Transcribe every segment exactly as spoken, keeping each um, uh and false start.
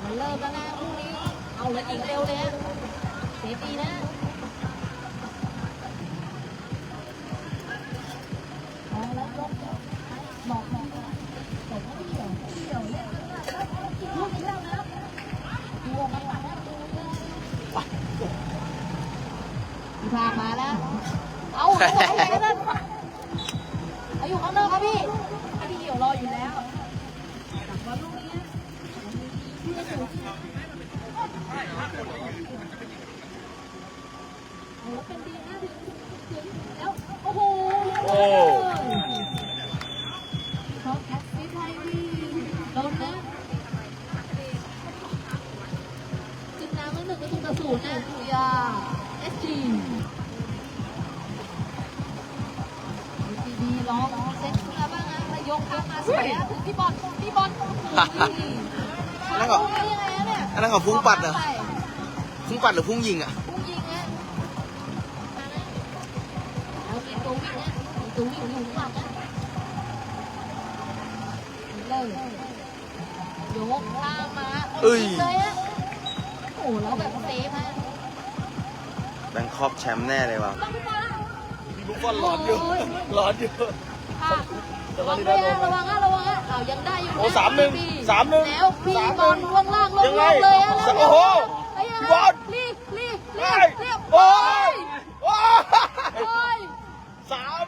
มันเริ่มแล้วนะพรุ่งนี้เอาเลยอีกเร็วเลยเซฟดีนะเอาแล้วยกบอกบอกบอกว่าเดี่ยวเดี่ยวเนี่ยลูกอีกแล้วนะดูมันหลังนะดูพี่พามาแล้วเอาเอาไปแล้วนะเอาอยู่ข้างนอกครับพี่ไอ้ที่เดี่ยวรออยู่แล้วจับว่าลูกนี้เพื่อสูงแล้วเป็นดีนะถึงแล้วโอ้โหโอ้เขาแคสซี่ไทยวีโดนนะจึงน้ำมันหนึ่งก็ถูกกระสุนนะคุยาเอสจีดีร้องเซ็ตขึ้นมาบ้างนะแล้วยกยกมาสวยนะถึงพี่บอลพี่บอลนั่นก็อันนั้นเขาพุ่งปัดเหรอพุ่งปัดหรือพุ่งยิงอ่ะพุ่งยิงนะแล้วมีตัววิ่งนะมีตัววิ่งอยู่ข้างหลังนะเลยยกข้ามมาเลยอะโอ้แล้วแบบเซฟฮะแบงคอกแชมป์แน่เลยว่ะลูกบอลร้อนอยู่ร้อนอยู่ระวังนะระวังนะระวังนะเอายังได้อยู่โอ้สามหนึ่งสามหนึ่งแล้วพี่บอลล่วงล่างลงเลยอะแล้วโอ้โหพี่บอลรีบรีบรีบรีบโอ้ยโอ้ยสาม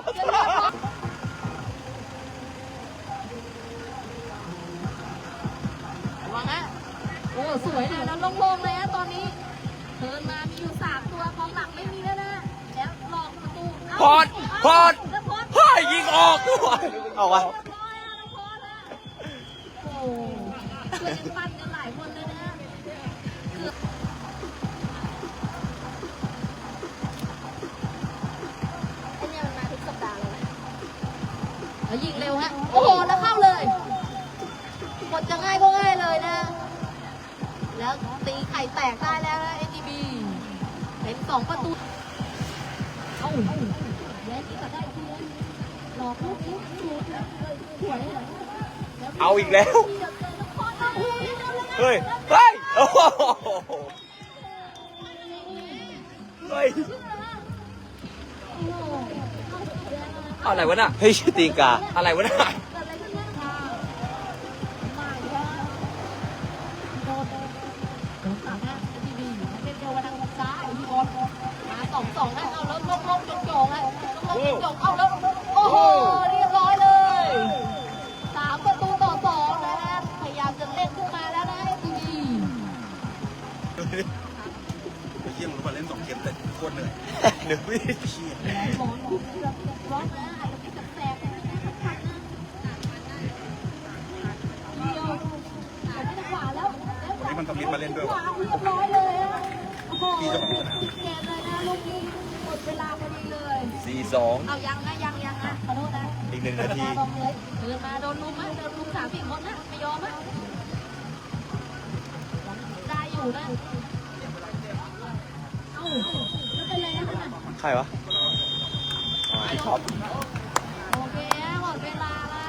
ระวังนะโอ้สวยนะแล้วโล่งๆเลยนะตอนนี้เทิร์นมามีอยู่สามตัวกองหลังไม่มีแล้วนะแล้วหลอกประตูพอดพอดเฮ้ยยิงออกด้วยเอาวะโอ้ช่วยกันปั้นกันหลายคนเลยนะไอ้เนี่ยมันมาทุกสัปดาห์เลยแล้วยิงเร็วฮะโอ้โหแล้วเข้าเลยหมดจะง่ายก็ง่ายเลยนะแล้วตีไข่แตกได้แล้วนะ เอ็น ดี บี เป็นสองประตูเอ้าแย่ที่ตัดได้ทีนึงหลอกลูกนี้ถูกสวยเอาอีกแล้วเฮ้ยเฮ้ยโอ้โหเฮ้ยอะไรวะน่ะเฮ้ยตีกาอะไรวะน่ะมาสองสองนะเอาแล้วลงลงจงจงนะลงลงจงเอาแล้วโอ้โหเรียบร้อยเลยสามประตูต่อสองนะฮะพยายามจะเล่นขึ้นมาแล้วนะไอ้ทีวีเยี่ยมมาเล่นสองเกมแต่โคตรเหนื่อยเหนื่อยไม่เชี่ยร้อนร้อนนะอาจจะเป็นแสบพักนะเดียวแต่ไม่ได้ขวาแล้วนี่มันต้องมิดมาเล่นด้วยขวาเรียบร้อยเลยพี่จะของสนามเกมเลยนะลูกนี้หมดเวลาพอดีเลยสี่สองเอายังนะยังยังนะขอโทษนะอีกหนึ่งนาทีเดินมาโดนลุมนะโดนลุมสามสี่คนนะไม่ยอมนะได้อยู่นะเอ้าไม่เป็นไรนะใครวะพี่ท็อป